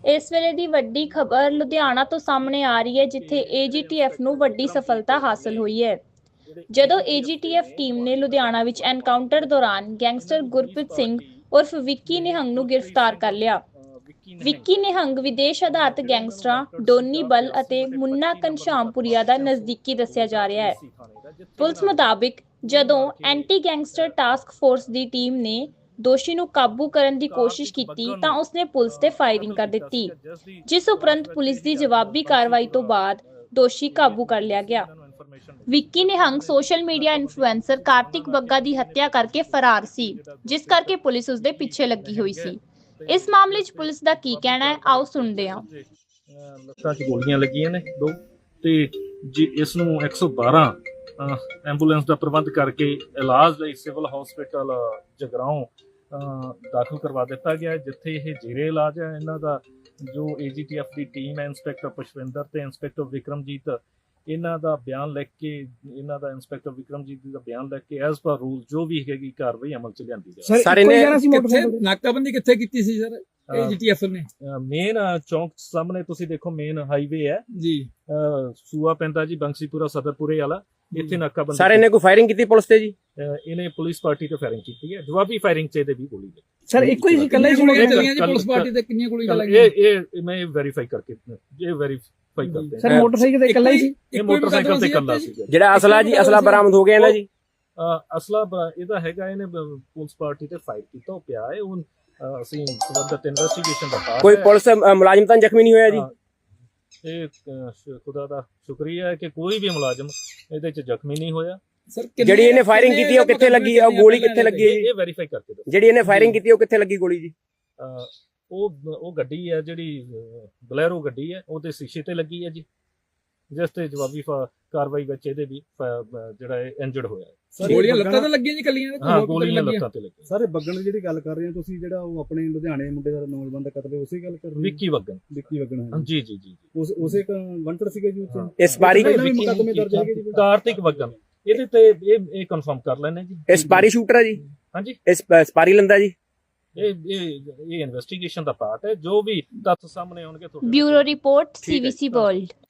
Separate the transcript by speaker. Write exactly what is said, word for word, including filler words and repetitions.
Speaker 1: ਇਸ ਵੇਲੇ ਦੀ ਵੱਡੀ ਖਬਰ ਲੁਧਿਆਣਾ ਤੋਂ ਸਾਹਮਣੇ ਆ ਰਹੀ ਹੈ, ਜਿੱਥੇ ਏ ਜੀ ਟੀ ਐਫ ਨੂੰ ਵੱਡੀ ਸਫਲਤਾ ਹਾਸਲ ਹੋਈ ਹੈ। ਜਦੋਂ ਏ ਜੀ ਟੀ ਐਫ ਟੀਮ ਨੇ ਲੁਧਿਆਣਾ ਵਿੱਚ ਐਨਕਾਊਂਟਰ ਦੌਰਾਨ ਗੈਂਗਸਟਰ ਗੁਰਪ੍ਰੀਤ ਸਿੰਘ ਉਰਫ ਵਿੱਕੀ ਨਿਹੰਗ ਨੂੰ ਗ੍ਰਿਫਤਾਰ ਕਰ ਲਿਆ। ਵਿੱਕੀ ਨਿਹੰਗ ਵਿਦੇਸ਼ ਆਧਾਰਿਤ ਗੈਂਗਸਟਰਾਂ ਡੋਨੀ ਬਲ ਅਤੇ ਮੁੰਨਾ ਘਨਸ਼ਾਮਪੁਰੀਆ ਦਾ ਨਜ਼ਦੀਕੀ ਦੱਸਿਆ ਜਾ ਰਿਹਾ ਹੈ। ਪੁਲਿਸ ਮੁਤਾਬਿਕ ਜਦੋਂ ਐਂਟੀ ਗੈਂਗਸਟਰ ਟਾਸਕ ਫੋਰਸ ਦੀ ਟੀਮ ਨੇ ਦੋਸ਼ੀ ਨੂੰ ਕਾਬੂ ਕਰਨ ਦੀ ਕੋਸ਼ਿਸ਼ ਕੀਤੀ ਤਾਂ ਉਸਨੇ ਪੁਲਿਸ ਤੇ ਫਾਇਰਿੰਗ ਕਰ ਦਿੱਤੀ, ਜਿਸ ਉਪਰੰਤ ਪੁਲਿਸ ਦੀ ਜਵਾਬੀ ਕਾਰਵਾਈ ਤੋਂ ਬਾਅਦ ਦੋਸ਼ੀ ਕਾਬੂ ਕਰ ਲਿਆ ਗਿਆ। Vicky Nihang social media influencer Kartik Bagga ਦੀ ਹੱਤਿਆ ਕਰਕੇ ਫਰਾਰ ਸੀ, ਜਿਸ ਕਰਕੇ ਪੁਲਿਸ ਉਸਦੇ ਪਿੱਛੇ ਲੱਗੀ ਹੋਈ ਸੀ। ਇਸ ਮਾਮਲੇ 'ਚ ਪੁਲਿਸ ਦਾ ਕੀ ਕਹਿਣਾ ਹੈ, ਆਓ ਸੁਣਦੇ ਹਾਂ।
Speaker 2: ਲੱਤਾਂ 'ਚ ਗੋਲੀਆਂ ਲੱਗੀਆਂ ਨੇ ਦੋ, ਤੇ ਜੀ ਇਸ ਨੂੰ ਇੱਕ ਸੌ ਬਾਰਾਂ ਐਂਬੂਲੈਂਸ ਦਾ ਪ੍ਰਬੰਧ ਕਰਕੇ ਇਲਾਜ ਲਈ ਸਿਵਲ ਹਸਪੀਟਲ ਜਗਰਾਓਂ ਦਾਖਲ ਕਰਵਾ ਦਿੱਤਾ ਗਿਆ, ਜਿੱਥੇ ਇਹ ਜੀਰੇ ਇਲਾਜ ਹੈ। ਇਹਨਾਂ ਦਾ ਜੋ ਏ ਜੀ ਟੀ ਐਫ ਦੀ ਟੀਮ ਹੈ, ਇੰਸਪੈਕਟਰ ਪੁਸ਼ਪਿੰਦਰ ਤੇ ਇੰਸਪੈਕਟਰ ਵਿਕਰਮਜੀਤ, ਇਹਨਾਂ ਦਾ ਬਿਆਨ ਲਿਖ ਕੇ ਇਹਨਾਂ ਦਾ ਇੰਸਪੈਕਟਰ ਵਿਕਰਮਜੀਤ ਦਾ ਬਿਆਨ ਲਿਖ ਕੇ ਐਜ਼ ਪਰ ਰੂਲ ਜੋ ਵੀ ਹੈਗੀ ਕਾਰਵਾਈ ਅਮਲ 'ਚ ਲਿਆਂਦੀ ਜਾਵੇ।
Speaker 3: ਸਾਰੇ ਨੇ ਨਾਕਾਬੰਦੀ ਕਿੱਥੇ ਕੀਤੀ ਸੀ ਸਰ ਏ ਜੀ ਟੀ ਐਫ ਨੇ?
Speaker 2: ਮੇਨ ਚੌਂਕ ਸਾਹਮਣੇ ਤੁਸੀਂ ਦੇਖੋ, ਮੇਨ ਹਾਈਵੇ ਹੈ
Speaker 3: ਜੀ,
Speaker 2: ਸੂਆ ਪੈਂਦਾ ਜੀ, ਬੰਸੀਪੁਰਾ ਸਦਰਪੁਰੇ ਵਾਲਾ, ਇੱਥੇ ਨਾਕਾਬੰਦੀ।
Speaker 4: ਸਾਰੇ ਨੇ ਕੋਈ ਫਾਇਰਿੰਗ ਕੀਤੀ ਪੁਲਿਸ ਤੇ ਜੀ?
Speaker 2: ਇਹਨੇ ਪੁਲਿਸ ਪਾਰਟੀ ਤੇ ਫਾਇਰਿੰਗ ਕੀਤੀ ਹੈ, ਜਵਾਬੀ ਫਾਇਰਿੰਗ 'ਚ ਇਹਦੇ ਵੀ ਗੋਲੀ ਲੱਗੀ।
Speaker 3: ਸਰ ਇੱਕੋ ਹੀ ਇਕੱਲਾ ਹੀ ਗੋਲੀਆਂ ਚੱਲੀਆਂ ਜੀ ਪੁਲਿਸ ਪਾਰਟੀ ਤੇ? ਕਿੰਨੀਆਂ ਗੋਲੀਆਂ ਲੱਗੀਆਂ?
Speaker 2: ਇਹ ਇਹ ਮੈਂ ਵੈਰੀਫਾਈ ਕਰਕੇ ਇਹ ਵੈਰੀਫਾਈ ਕਰਦੇ ਹਾਂ।
Speaker 3: ਸਰ ਮੋਟਰਸਾਈਕਲ ਤੇ ਇਕੱਲਾ ਹੀ ਸੀ?
Speaker 2: ਇਹ ਮੋਟਰਸਾਈਕਲ ਤੇ ਇਕੱਲਾ ਸੀ।
Speaker 4: ਜਿਹੜਾ ਅਸਲਾ ਜੀ, ਅਸਲਾ ਬਰਾਮਦ ਹੋ ਗਿਆ ਨਾ ਜੀ?
Speaker 2: ਅਸਲਾ ਇਹਦਾ ਹੈਗਾ, ਇਹਨੇ ਪੁਲਿਸ ਪਾਰਟੀ ਤੇ ਫਾਇਰ ਕੀਤਾ, ਉਹ ਪਿਆ ਹੈ। ਉਹ ਅਸੀਂ ਸਬੰਧਤ ਇਨਵੈਸਟੀਗੇਸ਼ਨ ਦਾ ਪਾਰਟ।
Speaker 4: ਕੋਈ ਪੁਲਿਸ ਮੁਲਾਜ਼ਮ ਤਾਂ ਜ਼ਖਮੀ ਨਹੀਂ ਹੋਇਆ ਜੀ?
Speaker 2: ਇਹ ਖੁਦਾ ਦਾ ਸ਼ੁਕਰੀਆ ਹੈ ਕਿ ਕੋਈ ਵੀ ਮੁਲਾਜ਼ਮ ਇਹਦੇ 'ਚ ਜ਼ਖਮੀ ਨਹੀਂ ਹੋਇਆ।
Speaker 3: ਸਰ
Speaker 4: ਜਿਹੜੀ ਇਹਨੇ ਫਾਇਰਿੰਗ ਕੀਤੀ ਉਹ ਕਿੱਥੇ ਲੱਗੀ ਹੈ? ਉਹ ਗੋਲੀ ਕਿੱਥੇ ਲੱਗੀ ਹੈ ਜੀ?
Speaker 2: ਇਹ ਵੈਰੀਫਾਈ ਕਰਕੇ ਦੱਸੋ।
Speaker 4: ਜਿਹੜੀ ਇਹਨੇ ਫਾਇਰਿੰਗ ਕੀਤੀ ਉਹ ਕਿੱਥੇ ਲੱਗੀ ਗੋਲੀ ਜੀ?
Speaker 2: ਉਹ ਉਹ ਗੱਡੀ ਹੈ ਜਿਹੜੀ ਬਲੈਰੋ ਗੱਡੀ ਹੈ, ਉਹਦੇ ਸ਼ੀਸ਼ੇ ਤੇ ਲੱਗੀ ਹੈ ਜੀ, ਜਿਸ ਤੇ ਜਵਾਬੀ ਕਾਰਵਾਈ ਵਿੱਚ ਇਹਦੇ ਵੀ ਜਿਹੜਾ ਇੰਜਰਡ ਹੋਇਆ ਹੈ।
Speaker 3: ਗੋਲੀਆਂ ਲੱਤਾਂ ਤੇ ਲੱਗੀਆਂ ਜੀ ਕੱਲੀਆਂ?
Speaker 2: ਹਾਂ, ਗੋਲੀਆਂ ਲੱਤਾਂ ਤੇ ਲੱਗੀਆਂ।
Speaker 5: ਸਾਰੇ ਬੱਗਣ ਦੀ ਜਿਹੜੀ ਗੱਲ ਕਰ ਰਹੇ ਹੋ ਤੁਸੀਂ, ਜਿਹੜਾ ਉਹ ਆਪਣੇ ਲੁਧਿਆਣੇ ਮੁੰਡੇ ਦਾ ਨੌਜਵਾਨ ਦਾ ਕਤਲ ਹੈ, ਉਸੇ ਗੱਲ ਕਰ ਰਹੇ ਹੋ?
Speaker 2: ਵਿੱਕੀ ਬੱਗਣ।
Speaker 5: ਵਿੱਕੀ ਬੱਗਣ ਹੈ
Speaker 2: ਜੀ ਜੀ ਜੀ।
Speaker 5: ਉਸ ਉਸੇ ਵੰਟਰ ਸੀਗੇ ਜੀ ਉੱਥੇ?
Speaker 4: ਇਸ ਬਾਰੀ
Speaker 5: ਮੁਕੱਦਮੇ ਦਰਜ ਹੈਗੇ ਜੀ?
Speaker 2: ਕਾਰਤਿਕ ਬੱਗਣ, ਇਹਦੇ ਤੇ ਇਹ ਇਹ ਕਨਫਰਮ ਕਰ ਲੈਣੇ ਜੀ।
Speaker 4: ਇਸ ਬਾਰੀ ਸ਼ੂਟਰ ਹੈ ਜੀ?
Speaker 2: ਹਾਂਜੀ,
Speaker 4: ਇਸ ਸਪਾਰੀ ਲੰਦਾ ਜੀ?
Speaker 2: ਇਹ ਇਹ ਇਹ ਇਨਵੈਸਟੀਗੇਸ਼ਨ ਦਾ ਪਾਰਟ ਹੈ। ਜੋ ਵੀ ਤੱਥ ਸਾਹਮਣੇ ਆਉਣਗੇ ਤੁਹਾਡੇ
Speaker 1: bureau report C V C world.